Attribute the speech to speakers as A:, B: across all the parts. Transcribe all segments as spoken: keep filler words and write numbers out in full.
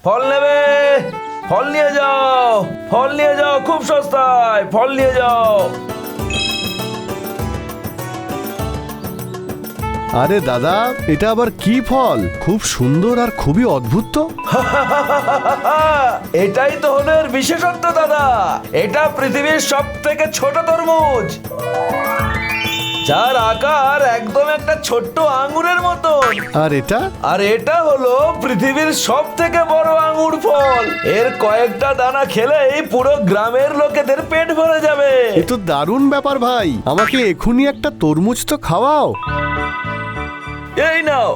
A: ফল নেবে? ফল নিয়ে যাও, ফল নিয়ে যাও, খুব সস্তায় ফল নিয়ে যাও।
B: আরে দাদা, এটা আবার কি ফল? খুব সুন্দর আর খুবই অদ্ভুত তো।
A: এটাই তো হলো এর বিশেষত্ব দাদা। এটা পৃথিবীর সব থেকে ছোট তরমুজ, যার আকার একদম একটা ছোট্ট আঙ্গুরের মতন।
B: আর এটা?
A: আর এটা হলো পৃথিবীর সব থেকে বড় আঙ্গুর ফল। এর কয়েকটা দানা খেলেই পুরো গ্রামের লোকেদের পেট ভরে যাবে।
B: এ তো দারুণ ব্যাপার ভাই, আমাকে এখুনি একটা তরমুজ তো খাওয়াও।
A: এই নাও।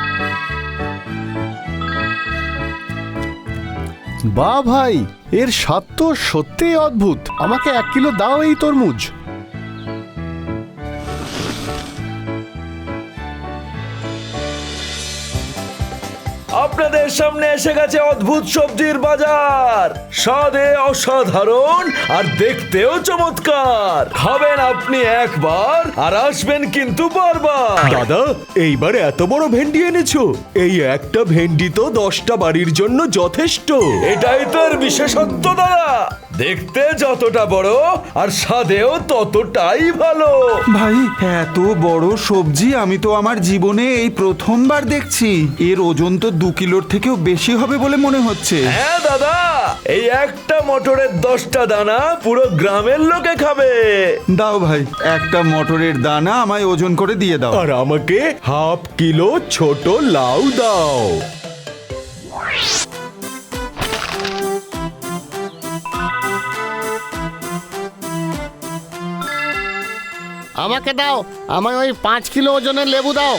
B: বাহ ভাই, এর স্বাদ তো সত্যিই অদ্ভুত। আমাকে এক কিলো দাও এই তরমুজ।
A: আপনাদের সামনে এসে গেছে অদ্ভুত সবজির বাজার। স্বাদে অসাধারণ আর দেখতেও চমৎকার। খাবেন আপনি একবার আর আসবেন কিন্তু বারবার।
C: দাদা, এইবার এত বড় ভেন্ডি এনেছো? এই একটা ভেন্ডি তো দশটা বাড়ির জন্য যথেষ্ট।
A: এটাই তো এর বিশেষত্ব দাদা। দেখতে যতটা বড় আর স্বাদেও ততটাই ভালো।
D: ভাই, এত বড় সবজি আমি তো আমার জীবনে এই প্রথমবার দেখছি। এর ওজন তো দু কিলোর থেকেও বেশি হবে বলে মনে হচ্ছে।
A: হ্যাঁ দাদা, এই একটা মটরের দশটা দানা পুরো গ্রামের লোকে খাবে।
D: দাও ভাই, একটা মটরের দানা আমায় ওজন করে দিয়ে দাও।
C: আর আমাকে হাফ কিলো ছোট লাউ দাও।
E: আমাকে দাও, আমায় ওই পাঁচ কিলো ওজনের লেবু দাও।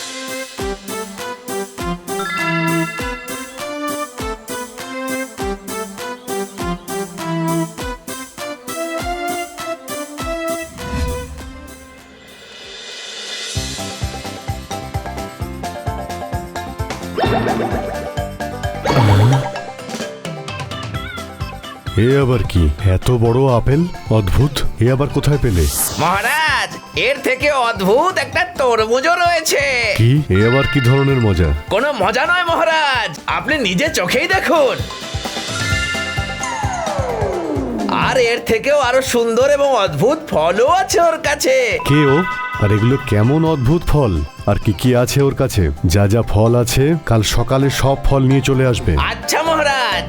B: এ আবার কি? এত বড় আপেল, অদ্ভুত। এ আবার কোথায় পেলে?
F: মহারাজ, এর থেকে অদ্ভুত একটা তরমুজও রয়েছে।
B: কি? এ আবার কি ধরনের মজা?
F: কোনো মজা নয় মহারাজ, আপনি নিজে চোখেই দেখুন। আর এর থেকেও আরো সুন্দর এবং অদ্ভুত ফলও আছে ওর কাছে।
B: কে ও? আর এগুলো কেমন অদ্ভুত ফল? আর কি কি আছে ওর কাছে? যা যা ফল আছে কাল সকালে সব ফল নিয়ে চলে আসবে।
F: আচ্ছা মহারাজ।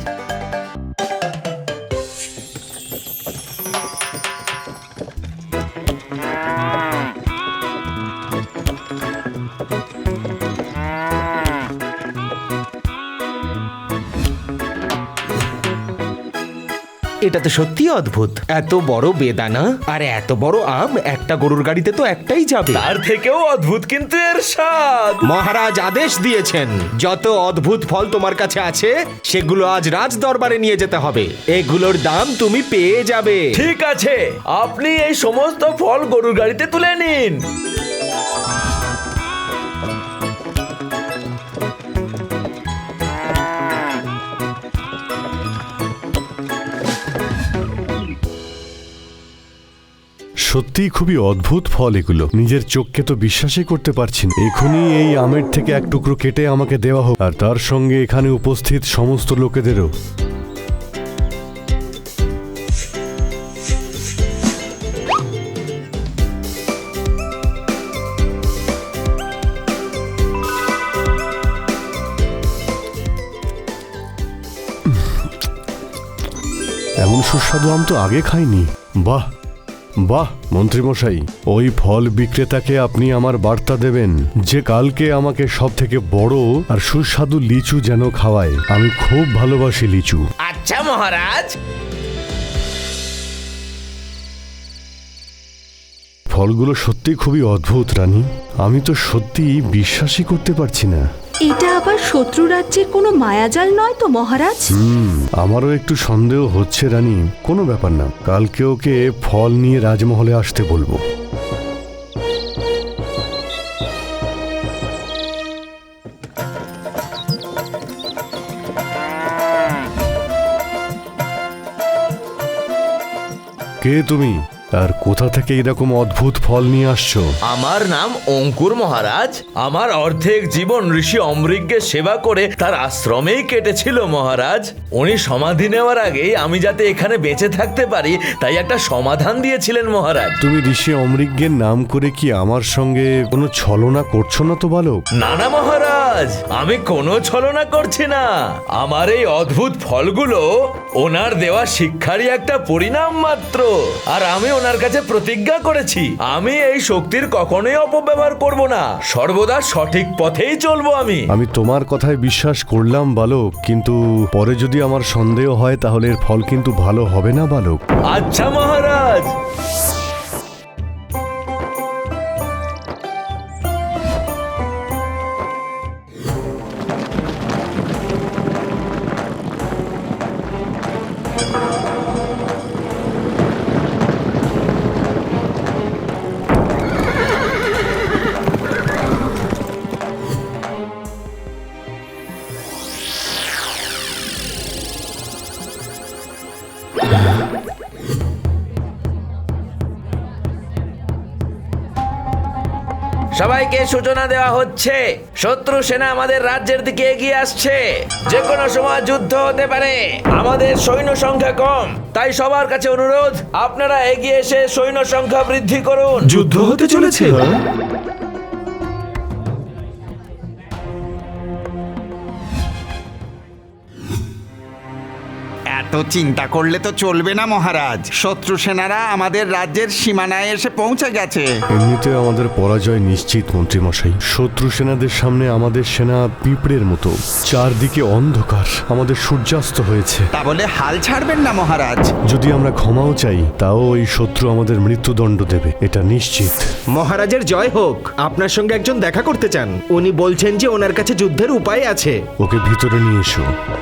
C: এটা তো সত্যি অদ্ভুত। এত বড় বেদানা আর এত বড় আম একটা গরুর গাড়িতে তো একটাই যাবে।
A: তার থেকেও অদ্ভুত কিন্তু এর স্বাদ।
C: মহারাজ আদেশ দিয়েছেন, যত অদ্ভুত ফল তোমার কাছে আছে সেগুলো আজ রাজ দরবারে নিয়ে যেতে হবে। এগুলোর দাম তুমি পেয়ে যাবে।
A: ঠিক আছে, আপনি এই সমস্ত ফল গরুর গাড়িতে তুলে নিন।
B: সত্যিই খুবই অদ্ভুত ফল এগুলো। নিজের চোখকে তো বিশ্বাসই করতে পারছি না। এখনই এই আমের থেকে এক টুকরো কেটে আমাকে দেওয়া হোক, আর তার সঙ্গে এখানে উপস্থিত সমস্ত লোকেদেরও। এমন সুস্বাদু আম তো আগে খাইনি। বাহ বাহ, মন্ত্রীমশাই, ওই ফল বিক্রেতাকে আপনি আমার বার্তা দেবেন যে কালকে আমাকে সব থেকে বড় আর সুস্বাদু লিচু যেন খাওয়ায়। আমি খুব ভালোবাসি লিচু।
F: আচ্ছা মহারাজ।
B: ফলগুলো সত্যি খুবই অদ্ভুত রানী। আমি তো সত্যি বিশ্বাসই করতে পারছি না।
G: এটা আবার শত্রু রাজ্যের কোনো মায়াজাল নয় তো মহারাজ?
B: হুম, আমারও একটু সন্দেহ হচ্ছে রানী। কোনো ব্যাপার না, কালকে ওকে ফল নিয়ে রাজমহলে আসতে বলবো। কে তুমি? আর কোথা থেকে এরকম অদ্ভুত ফল নিয়ে আসছো?
F: আমার নাম অঙ্কুর মহারাজ। আমার অর্ধেক জীবন ঋষি অমৃগকে সেবা করে তার আশ্রমেই কেটেছিল মহারাজ। উনি সমাধি নেওয়ার আগেই আমি যাতে এখানে বেঁচে থাকতে পারি তাই একটা সমাধান দিয়েছিলেন মহারাজ।
B: তুমি ঋষি অমৃজ্ঞের নাম করে কি আমার সঙ্গে কোনো ছলনা করছো না তো বালক?
F: না না মহারাজ, আমি কোনো ছলনা করছি না। আমার এই অদ্ভুত ফলগুলো ওনার দেওয়া শিক্ষারই একটা পরিণাম মাত্র। আর আমি ওনার কাছে প্রতিজ্ঞা করেছি আমি এই শক্তির কখনোই অপব্যবহার করব না, সর্বদা সঠিক পথেই চলবো আমি।
B: আমি তোমার কথায় বিশ্বাস করলাম বালক, কিন্তু পরে যদি আমার সন্দেহ হয় তাহলে এর ফল কিন্তু ভালো হবে না বালক।
F: আচ্ছা মহারাজ। সবাইকে সূচনা দেওয়া হচ্ছে, শত্রু সেনা আমাদের রাজ্যের দিকে এগিয়ে আসছে। যে কোনো সময় যুদ্ধ হতে পারে। আমাদের সৈন্য সংখ্যা কম, তাই সবার কাছে অনুরোধ আপনারা এগিয়ে এসে সৈন্য সংখ্যা বৃদ্ধি করুন।
D: যুদ্ধ হতে চলেছে? এত চিন্তা করলে তো চলবে না মহারাজ। শত্রু সেনারা আমাদের রাজ্যের সীমানায় এসে পৌঁছে গেছে।
B: এমনিতে আমাদের পরাজয় নিশ্চিত মন্ত্রীমশাই। শত্রু সেনাদের সামনে আমাদের সেনা পিঁপড়ের মতো, চারদিকে অন্ধকার, আমাদের সূর্যাস্ত হয়েছে।
D: তা বলে হাল ছাড়বেন না মহারাজ।
B: যদি আমরা ক্ষমাও চাই তাও ওই শত্রু আমাদের মৃত্যুদণ্ড দেবে, এটা নিশ্চিত।
C: মহারাজের জয় হোক। আপনার সঙ্গে একজন দেখা করতে চান। উনি বলছেন যে ওনার কাছে যুদ্ধের উপায় আছে।
B: ওকে ভিতরে নিয়ে এসো।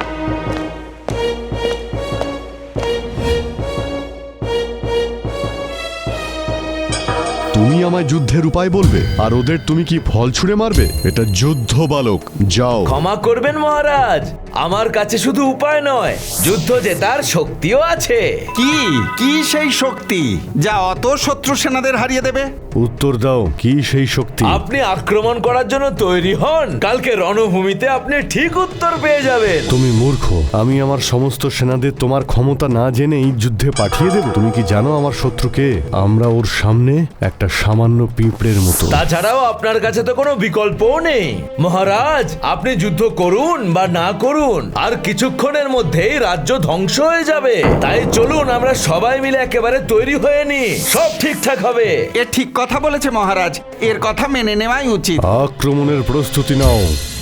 B: তুমি আমায় যুদ্ধের উপায় বলবে আর ওদের তুমি কি ফল ছুঁড়ে মারবে? এটা যুদ্ধ বালক, যাও।
F: ক্ষমা করবেন মহারাজ, আমার কাছে শুধু উপায় নয়, যুদ্ধ জেতার শক্তিও আছে।
D: কি কি সেই শক্তি যা অত শত্রু সেনাদের হারিয়ে দেবে?
B: উত্তর দাও, কি সেই শক্তি?
F: আপনি আক্রমণ করার জন্য তৈরি হন, কালকে রণভূমিতে আপনি ঠিক উত্তর পেয়ে যাবেন।
B: তুমি মূর্খ। আমি আমার সমস্ত সেনাদের তোমার ক্ষমতা না জেনেই যুদ্ধে পাঠিয়ে দেব? তুমি কি জানো আমার শত্রুকে? আমরা ওর সামনে একটা সামান্য পিঁপড়ের মতো।
F: তাছাড়াও আপনার কাছে তো কোনো বিকল্পও নেই। মহারাজ, আপনি যুদ্ধ করুন বা না করুন, আর কিছুক্ষণের মধ্যেই রাজ্য ধ্বংস হয়ে যাবে। তাই চলুন আমরা সবাই মিলে একেবারে তৈরি হয়ে নি, সব ঠিকঠাক হবে।
D: এ ঠিক কথা বলেছে মহারাজ, এর কথা মেনে নেওয়াই উচিত।
B: আক্রমণের প্রস্তুতি নাও।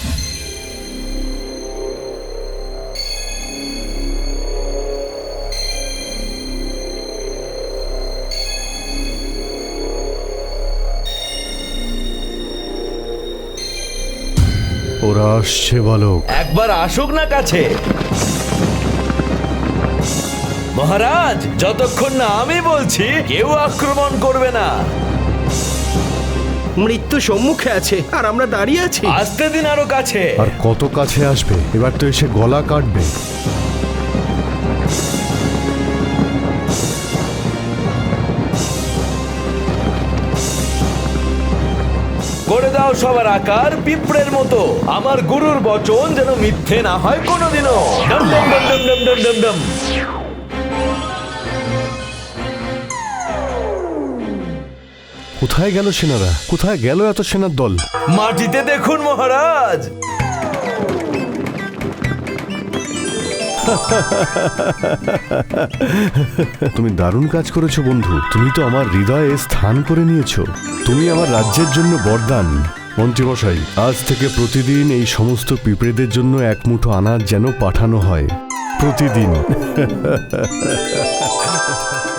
B: ওরা আসছে বালক।
F: একবার আসুক না কাছে। মহারাজ, যতক্ষণ না আমি বলছি কেউ আক্রমণ করবে না।
C: মৃত্যু সম্মুখে আছে আর আমরা দাঁড়িয়ে আছি।
F: আসতে দিন আরো কাছে।
B: আর কত কাছে আসবে? এবার তো এসে গলা কাটবে।
F: করে দাও সবার আকার পিঁপড়ের মতো। আমার গুরুর বচন যেন মিথ্যে না হয় কোনোদিনও। ডম ডম ডম ডম ডম ডম ডম ডম।
B: কোথায় গেল সেনারা? কোথায় গেল এত সেনার দল?
F: মাটিতে দেখুন মহারাজ।
B: তুমি দারুণ কাজ করেছো বন্ধু। তুমি তো আমার হৃদয়ে স্থান করে নিয়েছো। তুমি আমার রাজ্যের জন্য বরদান। মন্ত্রীমশাই, আজ থেকে প্রতিদিন এই সমস্ত পিঁপড়েদের জন্য এক মুঠো আনাজ যেন পাঠানো হয়, প্রতিদিন।